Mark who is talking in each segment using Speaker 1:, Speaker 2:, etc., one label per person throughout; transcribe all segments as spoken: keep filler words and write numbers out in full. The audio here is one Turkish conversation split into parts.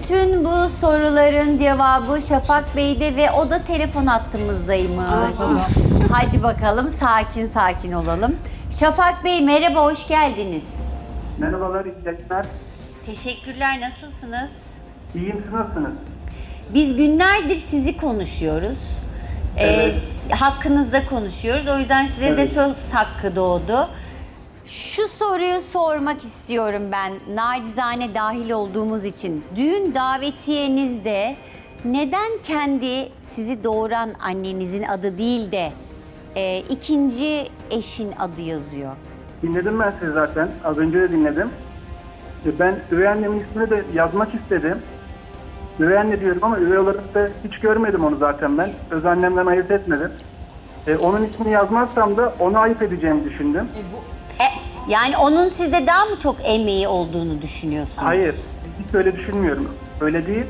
Speaker 1: Bütün bu soruların cevabı Şafak Bey'de ve o da telefon hattımızdaymış. Hadi bakalım sakin sakin olalım. Şafak Bey merhaba, hoş geldiniz.
Speaker 2: Merhabalar, iyi yayınlar.
Speaker 1: Teşekkürler, nasılsınız?
Speaker 2: İyiyim, siz nasılsınız?
Speaker 1: Biz günlerdir sizi konuşuyoruz.
Speaker 2: Evet.
Speaker 1: Ee, hakkınızda konuşuyoruz. O yüzden size de
Speaker 2: Evet.
Speaker 1: söz hakkı doğdu. Şu soruyu sormak istiyorum ben, nacizane dahil olduğumuz için. Düğün davetiyenizde neden kendi sizi doğuran annenizin adı değil de e, ikinci eşin adı yazıyor?
Speaker 2: Dinledim ben sizi zaten, az önce de dinledim. E, Ben üvey annemin ismini de yazmak istedim. Üvey anne diyorum ama üvey olarak da hiç görmedim onu zaten ben. Öz annemden ayırt etmedim. E, onun ismini yazmazsam da onu ayıp edeceğimi düşündüm.
Speaker 1: E, yani onun sizde daha mı çok emeği olduğunu düşünüyorsunuz?
Speaker 2: Hayır, hiç öyle düşünmüyorum. Öyle değil.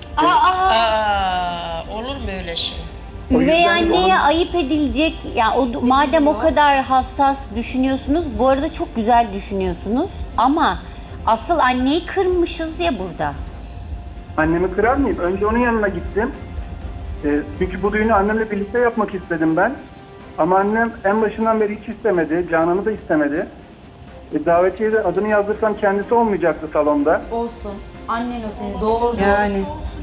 Speaker 3: Aa, olur mu öyle şey?
Speaker 2: O
Speaker 1: Üvey
Speaker 2: yüzden
Speaker 1: anneye
Speaker 2: onun-
Speaker 1: ayıp edilecek, yani o, madem o kadar hassas düşünüyorsunuz, bu arada çok güzel düşünüyorsunuz ama asıl anneyi kırmışız ya burada.
Speaker 2: Annemi kırar mıyım? Önce onun yanına gittim. E, çünkü bu düğünü annemle birlikte yapmak istedim ben. Ama annem en başından beri hiç istemedi, Canan'ı da istemedi. E, davetiye de adını yazdırsam kendisi olmayacaktı salonda.
Speaker 4: Olsun. Annen o seni doğurdu.
Speaker 3: Yani.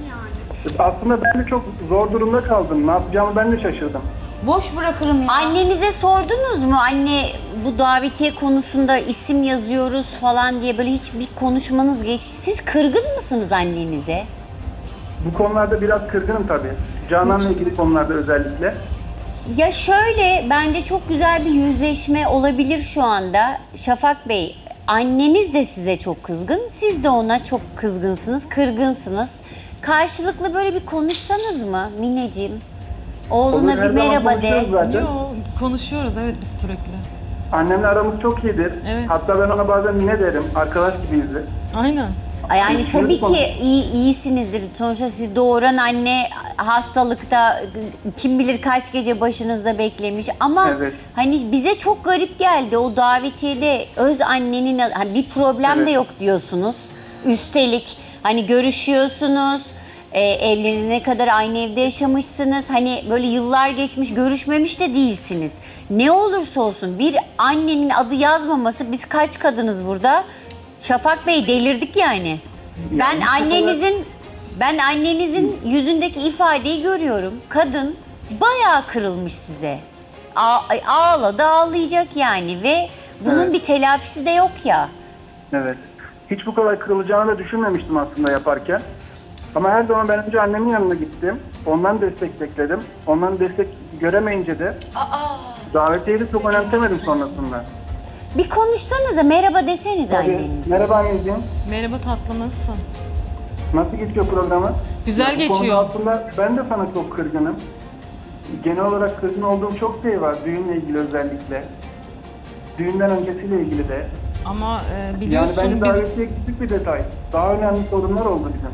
Speaker 2: E, aslında ben de çok zor durumda kaldım. Ne yapacağımı ben de şaşırdım.
Speaker 4: Boş bırakırım ya.
Speaker 1: Annenize sordunuz mu? Anne, bu davetiye konusunda isim yazıyoruz falan diye böyle hiç bir konuşmanız geçti. Siz kırgın mısınız annenize?
Speaker 2: Bu konularda biraz kırgınım tabii. Canan'la ilgili konularda özellikle.
Speaker 1: Ya şöyle, bence çok güzel bir yüzleşme olabilir şu anda. Şafak Bey, anneniz de size çok kızgın, siz de ona çok kızgınsınız, kırgınsınız. Karşılıklı böyle bir konuşsanız mı Mineciğim? Oğluna
Speaker 2: Olur,
Speaker 1: bir
Speaker 2: her zaman
Speaker 1: merhaba de.
Speaker 2: konuşuyoruz zaten.
Speaker 5: Yo, konuşuyoruz evet biz sürekli.
Speaker 2: Annemle aramız çok iyidir.
Speaker 5: Evet.
Speaker 2: Hatta ben ona bazen Mine derim. Arkadaş gibiyizdir.
Speaker 5: Aynen.
Speaker 1: Yani
Speaker 2: Şöyle
Speaker 1: tabii
Speaker 2: konuş-
Speaker 1: ki iyi, iyisinizdir. Sonuçta sizi doğuran anne hastalıkta kim bilir kaç gece başınızda beklemiş. Ama
Speaker 2: Evet.
Speaker 1: hani bize çok garip geldi o davetiyede öz annenin hani bir problem de
Speaker 2: Evet.
Speaker 1: yok diyorsunuz. Üstelik hani görüşüyorsunuz. E, evlenene kadar aynı evde yaşamışsınız. Hani böyle yıllar geçmiş, görüşmemiş de değilsiniz. Ne olursa olsun bir annenin adı yazmaması, biz kaç kadınız burada? Şafak Bey delirdik yani. Ben
Speaker 2: bu
Speaker 1: annenizin ben annenizin yüzündeki ifadeyi görüyorum. Kadın bayağı kırılmış size. A- ağladı, ağlayacak yani ve bunun
Speaker 2: Evet.
Speaker 1: bir telafisi de yok ya.
Speaker 2: Evet. Hiç bu kadar kırılacağını da düşünmemiştim aslında yaparken. Ama her zaman ben önce annemin yanına gittim. Ondan destek bekledim. Ondan destek göremeyince de davetiyeyi de çok önemsemedim sonrasında.
Speaker 1: Bir konuşsanıza, merhaba deseniz
Speaker 2: Tabii.
Speaker 1: annenize.
Speaker 2: Merhaba anneciğim.
Speaker 5: Merhaba tatlım nasılsın?
Speaker 2: Nasıl geçiyor programı?
Speaker 5: Güzel
Speaker 2: Ya bu konuda
Speaker 5: geçiyor.
Speaker 2: aslında ben de sana çok kırgınım. Genel olarak kırgın olduğum çok şey var. Düğünle ilgili özellikle. Düğünden öncesiyle ilgili de.
Speaker 5: Ama e,
Speaker 2: Yani
Speaker 5: biliyorsun
Speaker 2: bence
Speaker 5: biz
Speaker 2: davetiye küçük bir detay. Daha önemli sorunlar oldu bizim.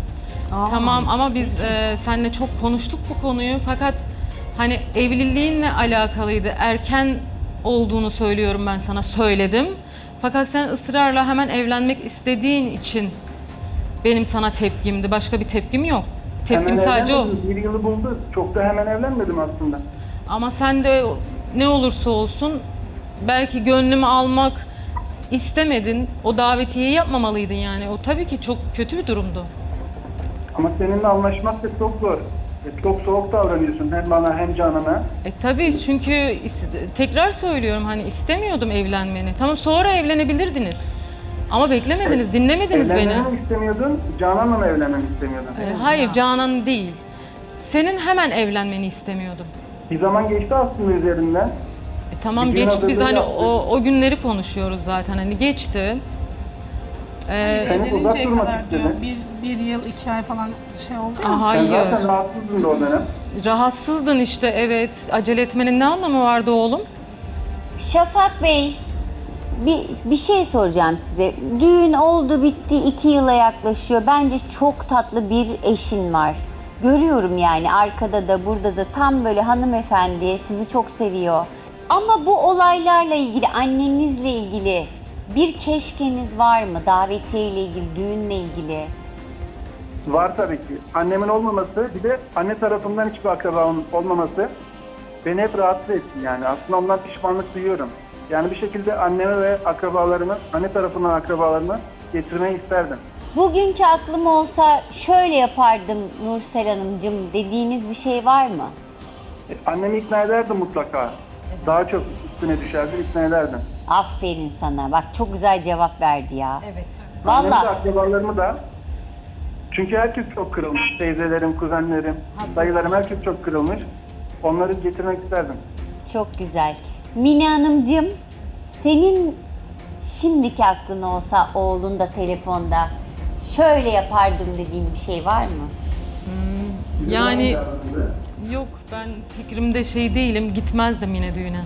Speaker 5: tamam ama biz e, seninle çok konuştuk bu konuyu fakat hani evliliğinle alakalıydı. Erken olduğunu söylüyorum ben sana söyledim. Fakat sen ısrarla hemen evlenmek istediğin için benim sana tepkimdi. Başka bir tepkim yok. Tepkim
Speaker 2: Hemen
Speaker 5: sadece o.
Speaker 2: evlenmedim. Bir yılı buldu. Çok da hemen evlenmedim aslında.
Speaker 5: Ama sen de ne olursa olsun belki gönlümü almak istemedin. O davetiyeyi yapmamalıydın yani. O tabii ki çok kötü bir durumdu.
Speaker 2: Ama seninle anlaşmak da çok zor. E, Çok soğuk davranıyorsun hem bana hem Canan'a.
Speaker 5: E tabii çünkü is- tekrar söylüyorum hani istemiyordum evlenmeni. Tamam sonra evlenebilirdiniz. Ama beklemediniz, dinlemediniz beni.
Speaker 2: Evlenmemi mi istemiyordun, Canan'la mı evlenmemi istemiyordun?
Speaker 5: E, hayır Canan değil. Senin hemen evlenmeni istemiyordum.
Speaker 2: Bir zaman geçti aslında üzerinden.
Speaker 5: E tamam
Speaker 2: Bir gün
Speaker 5: geçti biz
Speaker 2: hazırlığı
Speaker 5: hani
Speaker 2: yaptık.
Speaker 5: o, o günleri konuşuyoruz zaten hani geçti. E,
Speaker 2: Seni uzak
Speaker 6: Evleninceye
Speaker 2: durmak
Speaker 6: kadar diyor.
Speaker 2: istedi.
Speaker 6: Bir, bir yıl, iki ay falan şey oldu ya.
Speaker 5: Aa,
Speaker 2: Sen
Speaker 5: hayır.
Speaker 2: zaten rahatsızdın da o dönem.
Speaker 5: Rahatsızdın işte evet. Acele etmenin ne anlamı vardı oğlum?
Speaker 1: Şafak Bey, bir, bir şey soracağım size. Düğün oldu bitti, iki yıla yaklaşıyor. Bence çok tatlı bir eşin var. Görüyorum yani arkada da burada da tam böyle hanımefendi, sizi çok seviyor. Ama bu olaylarla ilgili, annenizle ilgili bir keşkeniz var mı? Davetiye ile ilgili, düğünle ilgili.
Speaker 2: Var tabii ki. Annemin olmaması, bir de anne tarafından hiçbir akrabamın olmaması beni hep rahatsız etti yani. Aslında ondan pişmanlık duyuyorum. Yani bir şekilde annemi ve akrabalarımı, anne tarafından akrabalarımı getirmeyi isterdim.
Speaker 1: Bugünkü aklım olsa şöyle yapardım Nursel Hanımcığım dediğiniz bir şey var mı?
Speaker 2: E, Annemi ikna ederdim mutlaka. Daha çok üstüne düşerdim, ikna ederdim.
Speaker 1: Aferin sana. Bak çok güzel cevap verdi ya.
Speaker 4: Evet.
Speaker 2: Annemi de
Speaker 1: Vallahi
Speaker 2: akrabalarımı da. Çünkü herkes çok kırılmış. Teyzelerim, kuzenlerim, dayılarım herkes çok kırılmış. Onları getirmek isterdim.
Speaker 1: çok güzel. Mine Hanımcığım senin şimdiki aklın olsa oğlun da telefonda şöyle yapardım dediğin bir şey var mı?
Speaker 5: Yani yok, ben fikrimde şey değilim, gitmezdim yine düğüne.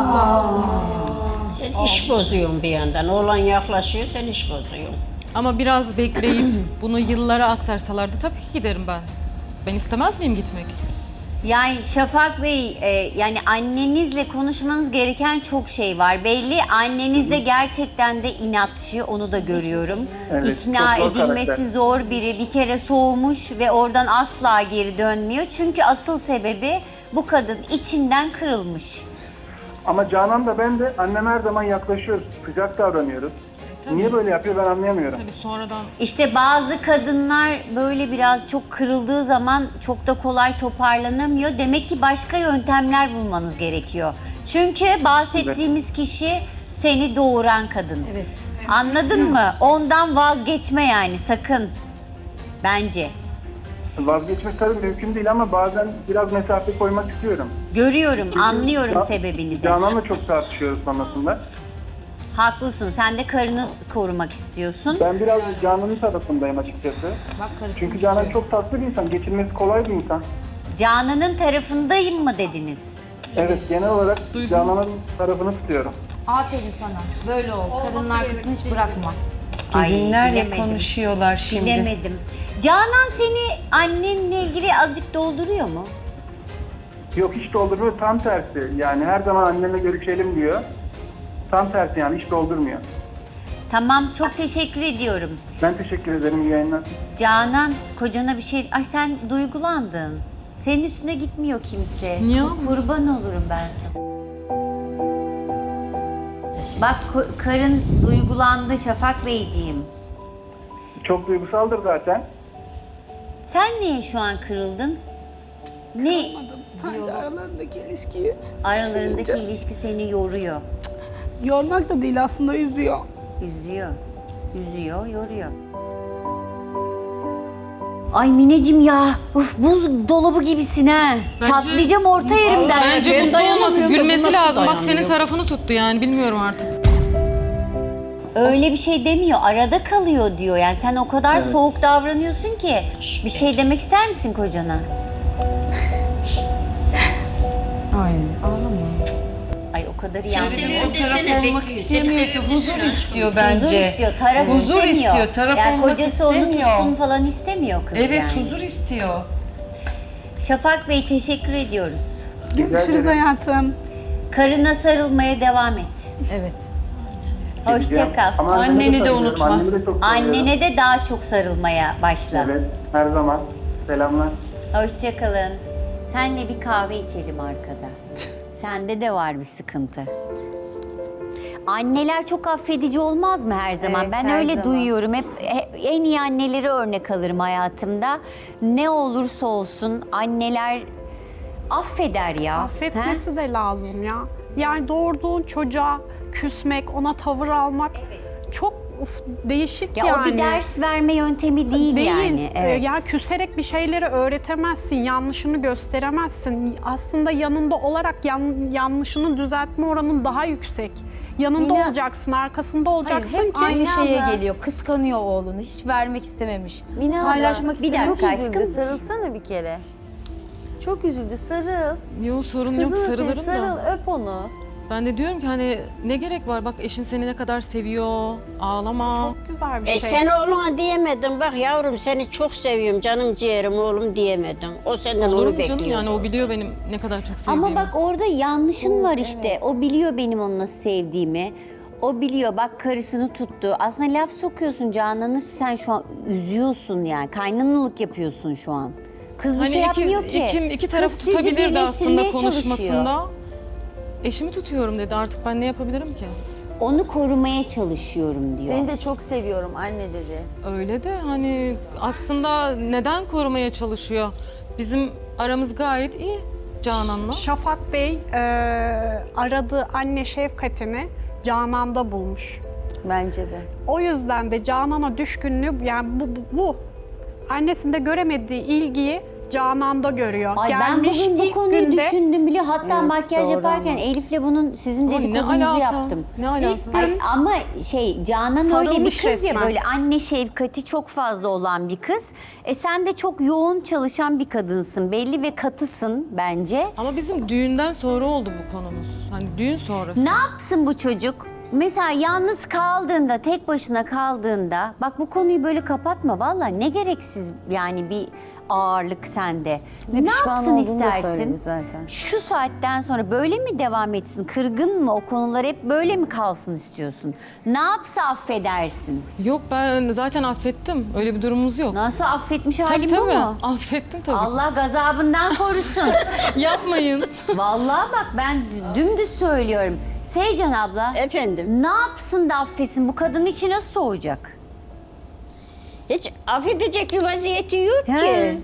Speaker 3: Sen iş bozuyorsun bir yandan. Oğlan yaklaşıyor, sen iş bozuyorsun.
Speaker 5: Ama biraz bekleyip bunu yıllara aktarsalardı tabii ki giderim ben. Ben istemez miyim gitmek?
Speaker 1: Yani Şafak Bey, e, yani annenizle konuşmanız gereken çok şey var. Belli anneniz de gerçekten de inatçı, onu da görüyorum.
Speaker 2: Evet,
Speaker 1: İkna
Speaker 2: çok zor
Speaker 1: edilmesi
Speaker 2: karakter.
Speaker 1: zor biri, bir kere soğumuş ve oradan asla geri dönmüyor. Çünkü asıl sebebi bu kadın içinden kırılmış.
Speaker 2: Ama Canan da ben de annem her zaman yaklaşıyoruz. Sıcak davranıyoruz. Niye böyle yapıyor ben anlayamıyorum.
Speaker 5: Tabii sonradan
Speaker 1: İşte bazı kadınlar böyle biraz çok kırıldığı zaman çok da kolay toparlanamıyor. Demek ki başka yöntemler bulmanız gerekiyor. Çünkü bahsettiğimiz kişi seni doğuran kadın.
Speaker 4: Evet.
Speaker 1: Anladın mı? Ondan vazgeçme yani sakın. Bence.
Speaker 2: Vazgeçmek tabii mümkün değil ama bazen biraz mesafe koymak istiyorum.
Speaker 1: Görüyorum, anlıyorum
Speaker 2: Ca-
Speaker 1: sebebini de.
Speaker 2: Canan'la çok tartışıyoruz sonrasında.
Speaker 1: Haklısın. Sen de karını korumak istiyorsun.
Speaker 2: Ben biraz Canan'ın tarafındayım açıkçası.
Speaker 4: Bak karısını
Speaker 2: Çünkü Canan
Speaker 4: tutuyor.
Speaker 2: çok tatlı bir insan, geçinmesi kolay bir insan.
Speaker 1: Canan'ın tarafındayım mı dediniz?
Speaker 2: Evet, genel olarak
Speaker 5: Duydunuz.
Speaker 2: Canan'ın tarafını tutuyorum.
Speaker 4: Aferin sana. Böyle ol. Karının arkasını hiç bırakma.
Speaker 1: Ay,
Speaker 7: Gelinlerle
Speaker 1: bilemedim.
Speaker 7: konuşuyorlar şimdi.
Speaker 1: Bilemedim. Canan seni annenle ilgili azıcık dolduruyor mu?
Speaker 2: Yok hiç doldurmuyor, tam tersi. Yani her zaman annemle görüşelim diyor. Tam tersi yani hiç doldurmuyor.
Speaker 1: Tamam, çok teşekkür ediyorum.
Speaker 2: Ben teşekkür ederim, iyi yayınlar.
Speaker 1: Canan, kocana bir şey... Ay sen duygulandın. Senin üstüne gitmiyor kimse.
Speaker 5: Niye
Speaker 1: Kur-
Speaker 5: olmuş?
Speaker 1: Kurban olurum ben sana. Bak ko- karın duygulandı Şafak Beyciğim.
Speaker 2: Çok duygusaldır zaten.
Speaker 1: Sen niye şu an kırıldın? Ne
Speaker 6: Sadece aralarındaki ilişkiyi
Speaker 1: aralarındaki
Speaker 6: düşününce.
Speaker 1: ilişki seni yoruyor?
Speaker 6: Yormak da değil aslında üzüyor.
Speaker 1: Üzüyor. Üzüyor, yoruyor. Ay Mineciğim ya, uf, buz dolabı gibisin ha.
Speaker 5: Bence-
Speaker 1: Çatlayacağım orta yerimden.
Speaker 5: Bence
Speaker 3: ben
Speaker 5: mutlu olması,
Speaker 3: dayanamıyorum da bu
Speaker 5: gülmesi
Speaker 3: nasıl
Speaker 5: lazım. Bak senin
Speaker 3: dayanıyor?
Speaker 5: tarafını tuttu yani, bilmiyorum artık.
Speaker 1: Öyle bir şey demiyor, arada kalıyor diyor. Yani sen o kadar
Speaker 2: Evet.
Speaker 1: soğuk davranıyorsun ki. Bir şey demek ister misin kocana?
Speaker 4: Ay ağlama.
Speaker 1: Ay o kadar iyi anlıyorum.
Speaker 3: Seviyorum
Speaker 7: O taraf
Speaker 3: desene,
Speaker 7: olmak
Speaker 3: bekliyor.
Speaker 7: istemiyor
Speaker 3: Seni
Speaker 7: ki.
Speaker 3: seviyorum
Speaker 7: Huzur
Speaker 3: desene.
Speaker 7: istiyor
Speaker 1: Huzur
Speaker 7: bence.
Speaker 1: istiyor, taraf
Speaker 7: Huzur
Speaker 1: istemiyor.
Speaker 7: istiyor, taraf
Speaker 1: yani
Speaker 7: olmak
Speaker 1: kocası onu
Speaker 7: istemiyor.
Speaker 1: tutsun falan istemiyor kız
Speaker 7: Evet,
Speaker 1: yani.
Speaker 7: huzur istiyor.
Speaker 1: Şafak Bey teşekkür ediyoruz.
Speaker 6: Görüşürüz
Speaker 2: ederim.
Speaker 6: hayatım.
Speaker 1: Karına sarılmaya devam et.
Speaker 4: Evet.
Speaker 1: Hoşça kal.
Speaker 2: Ama annemi
Speaker 7: Anneni de
Speaker 2: seviyorum,
Speaker 7: unutma.
Speaker 2: Annemi de çok seviyorum.
Speaker 1: Annene de daha çok sarılmaya başla.
Speaker 2: Evet, her zaman. Selamlar.
Speaker 1: Hoşça kalın. Senle bir kahve içelim arkada. Sende de var bir sıkıntı. Anneler çok affedici olmaz mı her zaman?
Speaker 8: Evet,
Speaker 1: ben
Speaker 8: her
Speaker 1: öyle
Speaker 8: zaman.
Speaker 1: duyuyorum. Hep, hep en iyi anneleri örnek alırım hayatımda. Ne olursa olsun anneler affeder ya. He?
Speaker 9: Affetmesi de lazım ya. Yani doğurduğun çocuğa küsmek, ona tavır almak çok uf, değişik
Speaker 1: Ya
Speaker 9: yani.
Speaker 1: o bir ders verme yöntemi değil, yani.
Speaker 9: Ee,
Speaker 1: Evet.
Speaker 9: Ya küserek bir şeyleri öğretemezsin, yanlışını gösteremezsin. Aslında yanında olarak yan- yanlışını düzeltme oranın daha yüksek. Yanında
Speaker 8: Mine-
Speaker 9: olacaksın, arkasında
Speaker 4: Hayır,
Speaker 9: olacaksın
Speaker 4: hep
Speaker 9: ki
Speaker 4: aynı
Speaker 8: Mine
Speaker 4: şeye
Speaker 8: abla.
Speaker 4: geliyor. Kıskanıyor oğlunu. Hiç vermek istememiş.
Speaker 8: Mine abla,
Speaker 4: Paylaşmak
Speaker 1: bir
Speaker 4: istememiş.
Speaker 1: dakika
Speaker 8: Çok üzüldü.
Speaker 1: aşkım.
Speaker 8: Sarılsana bir kere. Çok üzüldü. Sarıl.
Speaker 5: Yok sorun yok,
Speaker 8: Kızını sev,
Speaker 5: sarılırım
Speaker 8: sarıl,
Speaker 5: da.
Speaker 8: öp onu.
Speaker 5: Ben de diyorum ki hani ne gerek var, bak eşin seni ne kadar seviyor, ağlama.
Speaker 9: çok güzel bir
Speaker 3: E
Speaker 9: şey.
Speaker 3: sen oğluna diyemedin, bak yavrum seni çok seviyorum, canım ciğerim oğlum diyemedin. O senden
Speaker 5: Olur
Speaker 3: onu
Speaker 5: mu
Speaker 3: bekliyor.
Speaker 5: canım, yani o biliyor benim ne kadar çok sevdiğimi.
Speaker 1: Ama bak orada yanlışın var işte. O biliyor benim onu nasıl sevdiğimi. O biliyor, bak karısını tuttu. Aslında laf sokuyorsun Canan'ı, sen şu an üzüyorsun yani. Kaynanalık yapıyorsun şu an. Kız bir
Speaker 5: Hani
Speaker 1: şey
Speaker 5: iki,
Speaker 1: yapmıyor ki.
Speaker 5: iki, iki tarafı
Speaker 1: Kız sizi
Speaker 5: tutabilirdi aslında
Speaker 1: birleştirmeye
Speaker 5: konuşmasında.
Speaker 1: çalışıyor.
Speaker 5: Eşimi tutuyorum dedi, artık ben ne yapabilirim ki?
Speaker 1: Onu korumaya çalışıyorum diyor.
Speaker 8: Seni de çok seviyorum anne dedi.
Speaker 5: Öyle de hani aslında neden korumaya çalışıyor? Bizim aramız gayet iyi Canan'la.
Speaker 9: Şafak Bey e, aradığı anne şefkatini Canan'da bulmuş.
Speaker 8: Bence de.
Speaker 9: O yüzden de Canan'a düşkünlüğü, yani bu, bu, bu annesinde göremediği ilgiyi Canan'da görüyor.
Speaker 1: Ay
Speaker 9: Gelmiş
Speaker 1: ben bugün bu
Speaker 9: ilk
Speaker 1: konuyu
Speaker 9: günde,
Speaker 1: düşündüm bile. Hatta
Speaker 8: Evet,
Speaker 1: makyaj
Speaker 8: doğru
Speaker 1: yaparken
Speaker 8: ama.
Speaker 1: Elif'le bunun sizin
Speaker 5: Ay, ne
Speaker 1: dedikodunuzu
Speaker 5: alaka?
Speaker 1: yaptım.
Speaker 5: Ne alaka?
Speaker 1: Ay, ama şey Canan öyle bir
Speaker 9: Sarılmış
Speaker 1: kız ya,
Speaker 9: resmen.
Speaker 1: böyle anne şefkati çok fazla olan bir kız. E sen de çok yoğun çalışan bir kadınsın belli ve katısın bence.
Speaker 5: Ama bizim düğünden sonra oldu bu konumuz. Hani düğün sonrası.
Speaker 1: Ne yapsın bu çocuk? Mesela yalnız kaldığında, tek başına kaldığında, bak bu konuyu böyle kapatma vallahi, ne gereksiz yani bir ağırlık sende.
Speaker 8: Ne
Speaker 1: Ne
Speaker 8: pişman
Speaker 1: yapsın
Speaker 8: olduğunu da söyledi
Speaker 1: istersin?
Speaker 8: zaten.
Speaker 1: Şu saatten sonra böyle mi devam etsin? Kırgın mı? O konular hep böyle mi kalsın istiyorsun? Ne yapsa affedersin?
Speaker 5: Yok, ben zaten affettim. Öyle bir durumumuz yok.
Speaker 1: Nasıl affetmiş
Speaker 5: Tabii
Speaker 1: halim bu
Speaker 5: tabii.
Speaker 1: mu?
Speaker 5: Affettim tabii.
Speaker 1: Allah gazabından korusun.
Speaker 5: Yapmayın.
Speaker 1: Vallahi bak ben dümdüz söylüyorum. Seycan abla.
Speaker 3: Efendim,
Speaker 1: Ne yapsın da affetsin? Bu kadın içi nasıl soğuyacak?
Speaker 3: hiç affedecek bir vaziyeti yok
Speaker 1: He.
Speaker 3: ki.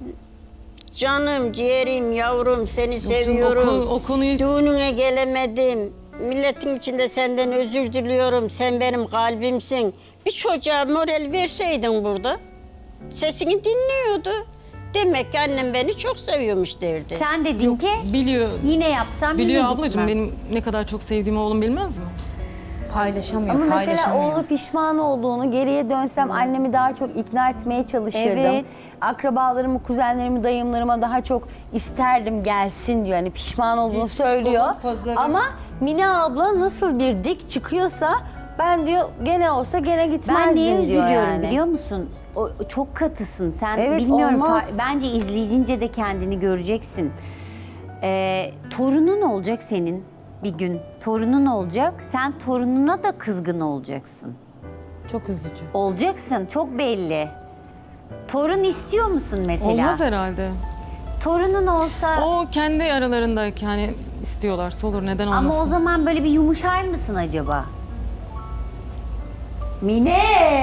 Speaker 3: Canım, ciğerim, yavrum, seni
Speaker 5: canım,
Speaker 3: seviyorum.
Speaker 5: o konu- o konuyu-
Speaker 3: Düğününe gelemedim. Milletin içinde senden özür diliyorum. Sen benim kalbimsin. Bir çocuğa moral verseydin burada, sesini dinliyordu. Demek ki annem beni çok seviyormuş derdi.
Speaker 1: Sen dedin ki
Speaker 5: Biliyor.
Speaker 1: yine yapsam
Speaker 5: Biliyor
Speaker 1: yine
Speaker 5: ablacığım,
Speaker 1: gitmem.
Speaker 5: benim ne kadar çok sevdiğimi oğlum bilmez mi?
Speaker 4: Paylaşamıyor,
Speaker 8: Ama mesela
Speaker 4: paylaşamıyor.
Speaker 8: oğlu pişman olduğunu, geriye dönsem annemi daha çok ikna etmeye çalışırdım.
Speaker 1: Evet.
Speaker 8: Akrabalarımı, kuzenlerimi, dayımlarıma daha çok isterdim gelsin diyor. Yani pişman olduğunu söylüyor. Ama Mine abla nasıl bir dik çıkıyorsa ben diyor gene olsa gene gitmezdim
Speaker 1: Ben niye
Speaker 8: diyor
Speaker 1: üzülüyorum
Speaker 8: yani.
Speaker 1: biliyor musun? O, o çok katısın. Sen
Speaker 8: Evet,
Speaker 1: bilmiyorum.
Speaker 8: olmaz.
Speaker 1: fa- Bence izleyince de kendini göreceksin. Ee, torunun olacak senin bir gün. Torunun olacak. Sen torununa da kızgın olacaksın.
Speaker 4: Çok üzücü.
Speaker 1: Olacaksın. Çok belli. Torun istiyor musun mesela?
Speaker 5: Olmaz herhalde.
Speaker 1: Torunun olsa
Speaker 5: O kendi aralarındaki hani istiyorlarsa olur, neden olmasın?
Speaker 1: ama o zaman böyle bir yumuşar mısın acaba? Mine!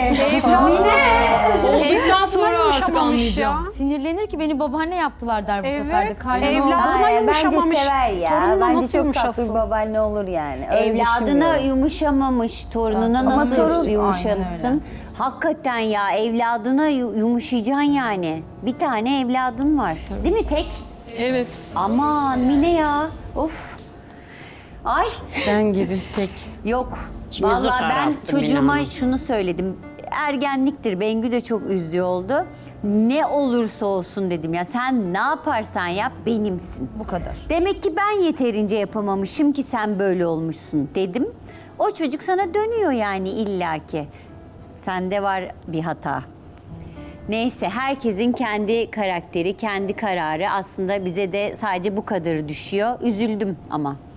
Speaker 5: Olduktan sonra artık
Speaker 9: Yumuşamamış
Speaker 5: anlayacağım.
Speaker 9: ya.
Speaker 4: Sinirlenir ki beni babaanne yaptılar der bu
Speaker 9: Evet,
Speaker 4: sefer de. Kaynana
Speaker 9: evlat-
Speaker 4: oldu.
Speaker 9: Ama
Speaker 8: Ay, bence
Speaker 9: yumuşamamış.
Speaker 8: sever ya.
Speaker 9: Torununa
Speaker 8: Bence
Speaker 9: nasıl
Speaker 8: çok tatlı
Speaker 9: yumuşasın?
Speaker 8: bir babaanne olur yani. Öyle
Speaker 1: Evladına
Speaker 8: düşünmüyorum.
Speaker 1: yumuşamamış, torununa
Speaker 4: Ama
Speaker 1: nasıl
Speaker 8: torun-
Speaker 4: Aynen
Speaker 1: yumuşarsın?
Speaker 4: öyle.
Speaker 1: Hakikaten ya, evladına yu- yumuşayacaksın yani. Bir tane evladın var. Değil mi tek?
Speaker 5: Evet.
Speaker 1: Aman Mine ya. Of. Ay.
Speaker 4: Ben gibi tek.
Speaker 1: Yok.
Speaker 3: İçimizi
Speaker 1: Vallahi ben
Speaker 3: kararttı Mine
Speaker 1: çocuğuma
Speaker 3: Hanım.
Speaker 1: şunu söyledim. Ergenliktir. Bengü de çok üzdüğü oldu. Ne olursa olsun dedim ya, sen ne yaparsan yap benimsin.
Speaker 4: Bu kadar.
Speaker 1: Demek ki ben yeterince yapamamışım ki sen böyle olmuşsun dedim. O çocuk sana dönüyor yani illaki. Sende var bir hata. Neyse, herkesin kendi karakteri, kendi kararı. Aslında bize de sadece bu kadarı düşüyor. Üzüldüm ama.